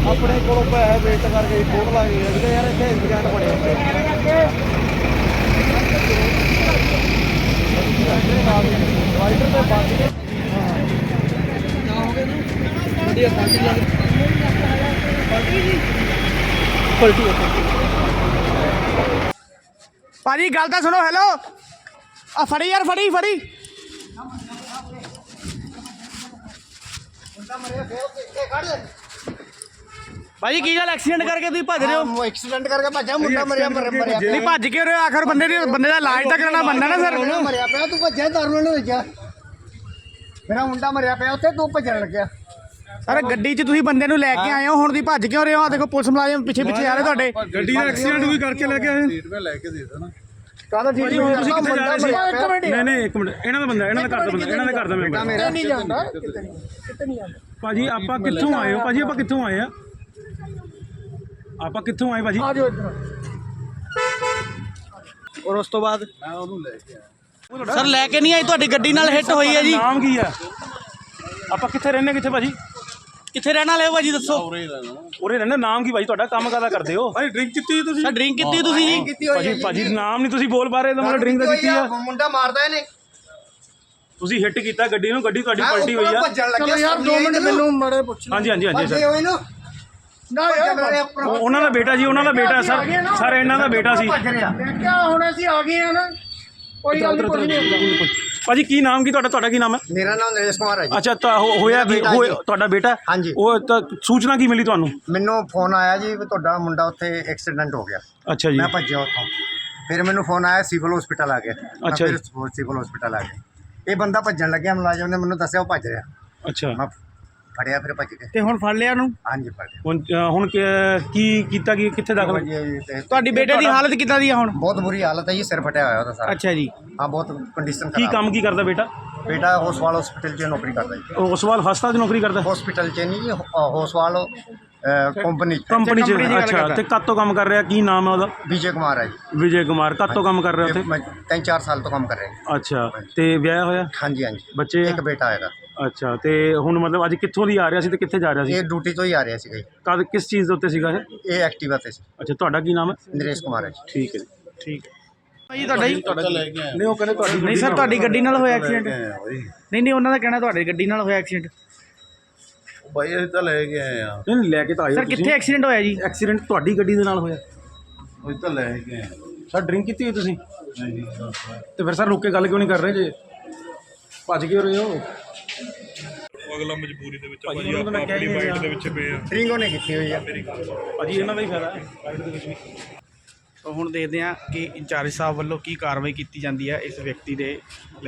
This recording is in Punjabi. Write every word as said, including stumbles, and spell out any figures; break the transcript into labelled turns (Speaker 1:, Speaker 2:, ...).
Speaker 1: अपने को पैसे वेस्ट करके फोन ला गए अगले यार इतने इंतजाम बड़े
Speaker 2: भाजी गल तो सुनो। हेलो आ फड़ी यार फड़ी फड़ी भाजी की गल एक्सीडेंट करके तुम भज रहे हो?
Speaker 1: एक्सीडेंट करके भजा मुंडा मरिया मरिया
Speaker 2: नहीं भज क्यों रहे हो? आखिर बंदे दी बंदे का इलाज तो कराना बनना ना सर।
Speaker 1: मरिया पे तू भजा दारू ने भेजा मेरा मुंडा मरिया पे उत्थे तू भजन लग्या
Speaker 2: सर गड्डी च तुसीं बंदे नूं लैके आए हो, हुण तुसीं भज क्यों रहे हो? आ देखो पुलिस मुलाजम पिछे पिछे आ रहे तुहाडे।
Speaker 3: गड्डी ਦਾ ਐਕਸੀਡੈਂਟ ਵੀ ਕਰਕੇ ਲੈ ਕੇ ਆਏ
Speaker 1: सीट पे लेके दे देना कादा ठीक
Speaker 3: ਭਾਜੀ ਹੁਣ ਤੁਸੀਂ ਕਿੱਥੇ ਜਾ ਰਹੇ ਸੀ?
Speaker 1: एक मिनट
Speaker 3: ਨਹੀਂ ਨਹੀਂ ਇੱਕ ਮਿੰਟ, ਇਹਨਾਂ ਦਾ ਬੰਦਾ, ਇਹਨਾਂ ਦਾ ਘਰ ਦਾ ਬੰਦਾ, ਇਹਨਾਂ ਦੇ ਘਰ ਦਾ ਮੈਂਬਰ।
Speaker 1: मेरा नहीं जानदा कितने कितने नहीं जानदा
Speaker 3: ਭਾਜੀ ਆਪਾਂ ਕਿੱਥੋਂ ਆਏ ਹੋ? ਭਾਜੀ ਆਪਾਂ ਕਿੱਥੋਂ ਆਏ ਆ? ਆਪਾਂ ਕਿੱਥੋਂ ਆਏ ਭਾਜੀ?
Speaker 1: आ जाओ इधर
Speaker 2: और उस तो बाद
Speaker 1: मैं ओनू लेके आया
Speaker 2: सर लैके नहीं आई, तुहाडी गड्डी नाल हिट होई है जी।
Speaker 3: ਨਾਮ ਕੀ ਆ? ਆਪਾਂ ਕਿੱਥੇ ਰਹਿੰਦੇ ਕਿੱਥੇ ਭਾਜੀ?
Speaker 2: कित्थे रहने वाले हो भाजी दसो?
Speaker 3: ਉਰੇ ਰਹਿੰਦੇ। ਨਾਮ ਕੀ ਭਾਜੀ ਤੁਹਾਡਾ? ਕੰਮ ਕਾਹਦਾ ਕਰਦੇ ਹੋ? ਭਾਈ ਡਰਿੰਕ ਕੀਤੀ ਤੁਸੀਂ?
Speaker 2: सर ड्रिंक की तुसीं जी?
Speaker 1: कितनी होई
Speaker 3: ਭਾਜੀ ਭਾਜੀ ਨਾਮ ਨਹੀਂ ਤੁਸੀਂ ਬੋਲ ਪਾ ਰਹੇ ਤਾਂ ਮਤਲਬ ਡਰਿੰਕ ਦਾ ਕੀਤੀ ਆ।
Speaker 1: मुंडा मारदा ਇਹਨੇ
Speaker 3: ਤੁਸੀਂ ਹਿੱਟ ਕੀਤਾ ਗੱਡੀ ਨੂੰ, ਗੱਡੀ ਤੁਹਾਡੀ ਪਲਟੀ ਹੋਈ ਆ।
Speaker 1: ਭੱਜਣ ਲੱਗਿਆ ਯਾਰ ਦੋ ਮਿੰਟ ਮੈਨੂੰ ਮੜੇ ਪੁੱਛ
Speaker 3: ਹਾਂਜੀ ਹਾਂਜੀ ਹਾਂਜੀ
Speaker 1: ਭੱਜੇ
Speaker 3: ਸਰ।
Speaker 1: ਹੋਏ ਨੂੰ ਨਾ ਯਾਰ
Speaker 3: ਉਹ- ਉਹਨਾਂ ਦਾ ਬੇਟਾ ਜੀ, ਉਹਨਾਂ ਦਾ ਬੇਟਾ ਸਰ। ਸਰ ਇਹਨਾਂ ਦਾ ਬੇਟਾ ਸੀ।
Speaker 1: ਦੇਖਿਆ ਹੁਣ ਅਸੀਂ ਆ ਗਏ ਆ ਨਾ ਕੋਈ ਗੱਲ ਨਹੀਂ ਕੋਈ ਨਹੀਂ
Speaker 3: ਭਾਜੀ ਕੀ ਨਾਮ ਕੀ ਤੁਹਾਡਾ? ਤੁਹਾਡਾ ਕੀ ਨਾਮ ਹੈ?
Speaker 1: ਮੇਰਾ ਨਾਮ ਨਰੇਸ਼ ਕੁਮਾਰ ਹੈ ਜੀ
Speaker 3: ਅੱਛਾ ਤਾਂ ਹੋ- ਹੋਇਆ ਕੀ?
Speaker 1: ਬੇਟਾ
Speaker 3: ਹੋਇਆ
Speaker 1: ਜੀ।
Speaker 3: ਤੁਹਾਡਾ ਬੇਟਾ?
Speaker 1: ਹਾਂਜੀ।
Speaker 3: ਉਹ ਤਾਂ ਸੂਚਨਾ ਕੀ ਮਿਲੀ ਤੁਹਾਨੂੰ?
Speaker 1: ਮੈਨੂੰ ਫੋਨ ਆਇਆ ਜੀ ਵੀ ਤੁਹਾਡਾ ਮੁੰਡਾ ਉੱਥੇ ਐਕਸੀਡੈਂਟ ਹੋ ਗਿਆ
Speaker 3: ਅੱਛਾ ਜੀ।
Speaker 1: ਮੈਂ ਭੱਜਿਆ ਉੱਥੋਂ ਫਿਰ ਮੈਨੂੰ ਫੋਨ ਆਇਆ ਸਿਵਲ ਹਸਪੀਟਲ ਆ ਗਿਆ ਮੈਂ
Speaker 3: ਅੱਛਾ
Speaker 1: ਫਿਰ ਸਿਵਲ ਹਸਪੀਟਲ ਆ ਗਿਆ ਇਹ ਬੰਦਾ ਭੱਜਣ ਲੱਗਿਆ ਮੁਲਾਜ਼ਮ ਨੇ ਮੈਨੂੰ ਦੱਸਿਆ ਉਹ ਭੱਜ ਰਿਹਾ
Speaker 3: ਅੱਛਾ
Speaker 1: ਮੈਂ ਫੜਿਆ ਫਿਰ ਭੱਜ ਕੇ
Speaker 2: ਤੇ ਹੁਣ ਫੜ ਲਿਆ ਨੂੰ?
Speaker 1: ਹਾਂਜੀ ਫੜ ਲਿਆ
Speaker 3: ਹੁਣ ਅ, ਹੁਣ ਕੀ- ਕੀ ਕੀਤਾ? ਕੀ ਕਿੱਥੇ ਦਾਖਲ?
Speaker 1: ਜੀ, ਤੇ
Speaker 2: ਤੁਹਾਡੀ ਬੇਟੇ ਦੀ ਹਾਲਤ ਕਿੱਦਾਂ ਦੀ ਆ ਹੁਣ?
Speaker 1: ਬਹੁਤ ਬੁਰੀ ਹਾਲਤ ਹੈ ਜੀ ਸਿਰ ਫਟਿਆ ਹੋਇਆ ਉਹਦਾ ਸਾਰਾ
Speaker 2: ਅੱਛਾ ਜੀ।
Speaker 1: ਹਾਂ ਬਹੁਤ ਕੰਡੀਸ਼ਨ
Speaker 3: ਕੀ
Speaker 1: ਖਰਾਬ
Speaker 3: ਕੰਮ ਕੀ ਕਰਦਾ ਬੇਟਾ?
Speaker 1: ਬੇਟਾ ਹੋਸਵਾਲ ਹਸਪੀਟਲ 'ਚ ਨੌਕਰੀ ਕਰਦਾ ਜੀ
Speaker 3: ਉਹ ਉਸਵਾਲ ਹਸਪਤਾਲ 'ਚ ਨੌਕਰੀ ਕਰਦਾ?
Speaker 1: ਹਸਪੀਟਲ 'ਚ ਨਹੀਂ ਜੀ ਹੋ- ਹੋਸਵਾਲ ਕੰਪਨੀ 'ਚ
Speaker 3: ਕੰਪਨੀ 'ਚ?
Speaker 2: ਕੰਪਨੀ ਦੀ ਗੱਲ
Speaker 3: ਅੱਛਾ
Speaker 2: ਕਰਦਾ।
Speaker 3: ਤੇ ਕਦ ਤੋਂ ਕੰਮ ਕਰ ਰਿਹਾ? ਕੀ ਨਾਮ ਹੈ ਉਹਦਾ?
Speaker 1: ਵਿਜੇ ਕੁਮਾਰ ਹੈ ਜੀ
Speaker 3: ਵਿਜੇ ਕੁਮਾਰ। ਕਦ ਤੋਂ ਕੰਮ ਕਰ ਰਿਹਾ
Speaker 1: ਇਹ
Speaker 3: ਉੱਥੇ?
Speaker 1: ਮੈਂ ਤਿੰਨ ਚਾਰ ਸਾਲ ਤੋਂ ਕੰਮ ਕਰ ਰਿਹਾ
Speaker 3: ਅੱਛਾ ਤੇ ਵਿਆਹ ਹੋਇਆ?
Speaker 1: ਹਾਂਜੀ ਹਾਂਜੀ
Speaker 3: ਬੱਚੇ?
Speaker 1: ਇੱਕ ਬੇਟਾ ਹੈਗਾ
Speaker 3: ਅੱਛਾ ਤੇ ਹੁਣ ਮਤਲਬ ਅੱਜ ਕਿੱਥੋਂ ਦੀ ਆ ਰਿਹਾ ਸੀ ਤੇ ਕਿੱਥੇ ਜਾ ਰਿਹਾ ਸੀ?
Speaker 1: ਇਹ ਡਿਊਟੀ ਤੋਂ ਹੀ ਆ ਰਿਹਾ ਸੀਗਾ ਜੀ
Speaker 3: ਕਦ ਕਿਸ ਚੀਜ਼ ਦੇ ਉੱਤੇ ਸੀਗਾ ਇਹ?
Speaker 1: ਇਹ ਐਕਟਿਵਾ ਤੇ ਸੀ
Speaker 3: ਅੱਛਾ ਤੁਹਾਡਾ ਕੀ ਨਾਮ ਹੈ?
Speaker 1: ਨਰੇਸ਼ ਕੁਮਾਰ ਹੈ ਜੀ
Speaker 3: ਠੀਕ ਹੈ ਜੀ।
Speaker 2: ਠੀਕ ਭਾਜੀ ਤੁਹਾਡਾ ਜੀ?
Speaker 3: ਨਹੀਂ ਉਹ ਕਹਿੰਦੇ ਤੁਹਾਡੀ
Speaker 2: ਨਹੀਂ ਸਰ ਤੁਹਾਡੀ ਗੱਡੀ ਨਾਲ ਹੋਇਆ ਐਕਸੀਡੈਂਟ? ਨਹੀਂ ਨਹੀਂ ਉਹਨਾਂ ਦਾ ਕਹਿਣਾ ਤੁਹਾਡੀ ਗੱਡੀ ਨਾਲ ਹੋਇਆ ਐਕਸੀਡੈਂਟ।
Speaker 4: ਭਾਈ ਅਸੀਂ ਤਾਂ ਲੈ ਕੇ ਆਏ ਆ
Speaker 3: ਨਹੀਂ ਨਹੀਂ, ਲੈ ਕੇ ਤਾਂ ਆਏ ਹੋ
Speaker 2: ਸਰ ਕਿੱਥੇ ਐਕਸੀਡੈਂਟ ਹੋਇਆ ਜੀ?
Speaker 3: ਐਕਸੀਡੈਂਟ ਤੁਹਾਡੀ ਗੱਡੀ ਦੇ ਨਾਲ ਹੋਇਆ?
Speaker 4: ਅਸੀਂ ਤਾਂ ਲੈ ਕੇ ਆਏ
Speaker 3: ਸਰ ਡਰਿੰਕ ਕੀਤੀ ਹੋਈ ਤੁਸੀਂ?
Speaker 4: ਨਹੀਂ
Speaker 3: ਤੇ ਫਿਰ ਸਰ ਰੁਕ ਕੇ ਗੱਲ ਕਿਉਂ ਨਹੀਂ ਕਰ ਰਹੇ ਜੇ? ਭੱਜ ਕਿਉਂ ਰਹੇ ਹੋ?
Speaker 5: ਅਗਲਾ ਮਜਬੂਰੀ ਦੇ ਵਿੱਚ
Speaker 3: ਭਾਜੀ,
Speaker 5: ਭਾਜੀ
Speaker 3: ਉਹਨਾਂ ਨੂੰ
Speaker 5: ਆਪਾਂ
Speaker 3: ਮੈਂ
Speaker 5: ਆਪਣੀ
Speaker 3: ਕਹਿ
Speaker 5: ਵਾਈਟ
Speaker 3: ਰਿਹਾ।
Speaker 5: ਦੇ ਵਿੱਚ ਪਏ ਆ
Speaker 1: ਡਰਿੰਕ ਉਹਨੇ ਕੀਤੀ ਹੋਈ ਹੈ
Speaker 3: ਭਾਜੀ ਇਹਨਾਂ ਦਾ ਹੀ ਫਾਇਦਾ ਹੈ ਰਾਈਡ ਦੇ ਵਿੱਚ ਵੀ।
Speaker 2: ਹੁਣ ਦੇਖਦੇ ਹਾਂ ਕਿ ਇੰਚਾਰਜ ਸਾਹਿਬ ਵੱਲੋਂ ਕੀ ਕਾਰਵਾਈ ਕੀਤੀ ਜਾਂਦੀ ਹੈ ਇਸ ਵਿਅਕਤੀ ਦੇ